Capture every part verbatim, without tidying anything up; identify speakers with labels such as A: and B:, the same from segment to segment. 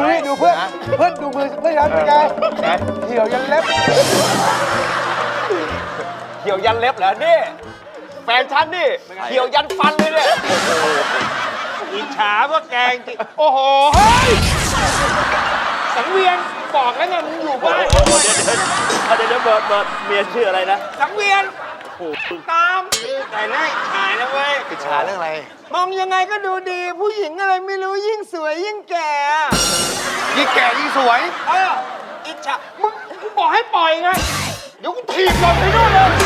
A: นี่ดูเพื่อนเพื่อนดูมือเพื่อนยันเป็นไงเหี่ยวยันเล็บ
B: เหี่ยวยันเล็บเหรอนี่แฟนฉันนี่เหี่ยวยันฟันเลยเนี่ยอิจฉาพวกแกงจริงโอ้โหเฮ้ยสังเวียนบอกแล้วไงมึงอยู่บ้านเดี๋ยวเดี๋ยวเบิร์ดเบิร์ดเมียชื่ออะไรนะสังเวียนตามแต่หน้าอิจฉานะเว้ย
A: อิจฉาเรื่องอะไร
B: มองยังไงก็ดูดีผู้หญิงอะไรไม่รู้ยิ่งสวยยิ่งแก่
A: ยิ่งแก่ยิ่งสวย
B: เอออิจฉามึงกูบอกให้ปล่อยไงเดี๋ยวกูถีบลงไปนู่นเลย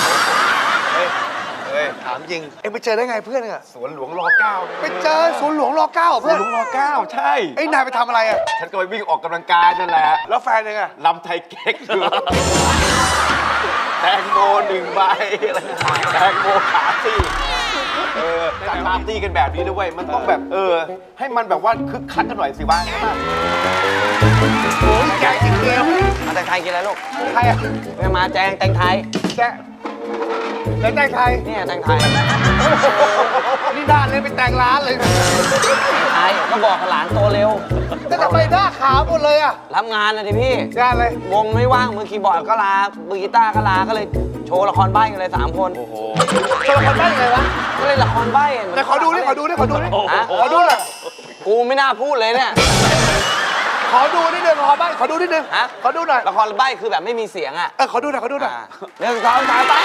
A: เฮ้ยถามจริงเอ็งไปเจอได้ไงเพื่อนอะ
B: สวนหลวงรอเก้า
A: ไปเจอสวนหลวงรอเก้าเพื่อน
B: สวนหลวงรอเก้าใช่
A: ไอ้นายไปทำอะไรอะ
B: ฉันก็ไปวิ่งออกกำลังกายนั่นแหละ
A: แล้วแฟนยังไง
B: ลำไทยเก๊กอยู่แตงโมหนึ่งใบแตงโมขาสี่เออจัดปาร์ตี้กันแบบนี้ด้วยมันต้องแบบเออให้มันแบบว่าคึกคักกันหน่อยสิวะ
A: โอ้ยแกงจริงเดียว
C: มาแต่งไทยกินอะไรลูก
A: ใครอะ
C: ไม่มาแจงแต่งไทย
A: แกแล้วแต่งไทย
C: เนี่ยแต่งไทย
A: นี่ด้านเลยไปแต่งร้านเลย
C: ไทยก็บอกหลานโตเร็ว
A: แต่ทำไมหน้าขาวหมดเลยอะ
C: รับงานนะดิพี่
A: งานอะไร
C: วงไม่ว่างมือคีย์บอร์ดก็ลามือกีตาร์ก็ลาก็เลยโชว์ละครใบ้กันเลยสามคนโอ้โห
A: โชว์ละครใบ้ยังไงวะ
C: ก็เลยละครใบ้
A: แต่ขอดูดิขอดูดิขอดูดิขอดูหน่อย
C: กูไม่น่าพูดเลยเนี่ย
A: ขอดูนิดนึงละครใบ้ขอดูนิดนึง
C: ฮะ
A: ขอดูหน่อย
C: ละครใบ้คือแบบไม่มีเสียงอ่ะ
A: เออขอดูหน่อยขอดูหน่อย
C: หนึ่งสองสามไป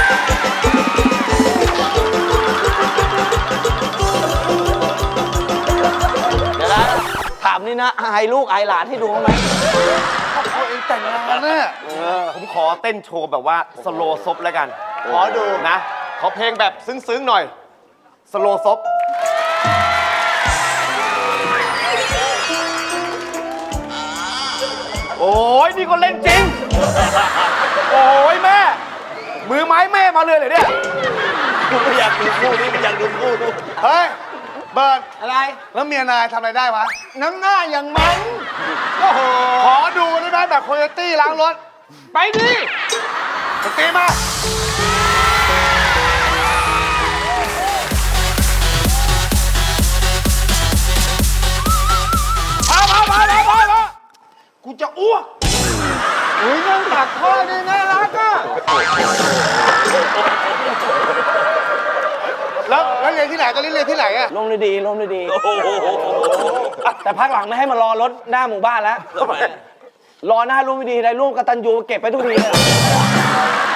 C: เดี๋ยวนะถามนี่นะอายลูกอายหลานให้ดูไหม
A: เขาเองแต่งงานเนี่ย
B: ผมขอเต้นโชว์แบบว่าสโลซบแล้วกัน
A: ขอดู
B: นะขอเพลงแบบซึ้งๆหน่อยสโลซบโอ้ยนี่ก็เล่นจริงโอ้ยแม่มือไม้แม่มาเลยเหรอเนี่ยไม่อยากดูคู่นี่ไม่อยากดูคู่ดู
A: เฮ้ยเบิร์ด
C: อะไร
A: แล้วเมียนายทำอะไรได้วะ
B: น้ำหน้าอย่างมันโอ้โห
A: ขอดูได้ไหมแบบโคโยตี้ล้างรถ
B: ไปดิ
A: สตีมา
B: พาพาพาพาพาพากูจะอ้วกอุ้ยนั่งตักข้อนี่น่ารักอ่ะ
A: แล้วแล้วเรียนที่ไหนตอนนี้เรียนที่ไหนอะ
C: ลมดีลมดีแต่พักหลังไม่ให้มารอรถหน้าหมู่บ้านแล้วรอหน้าร่วมดีได้ร่วมกตัญญูเก็บไปทุกทีเลย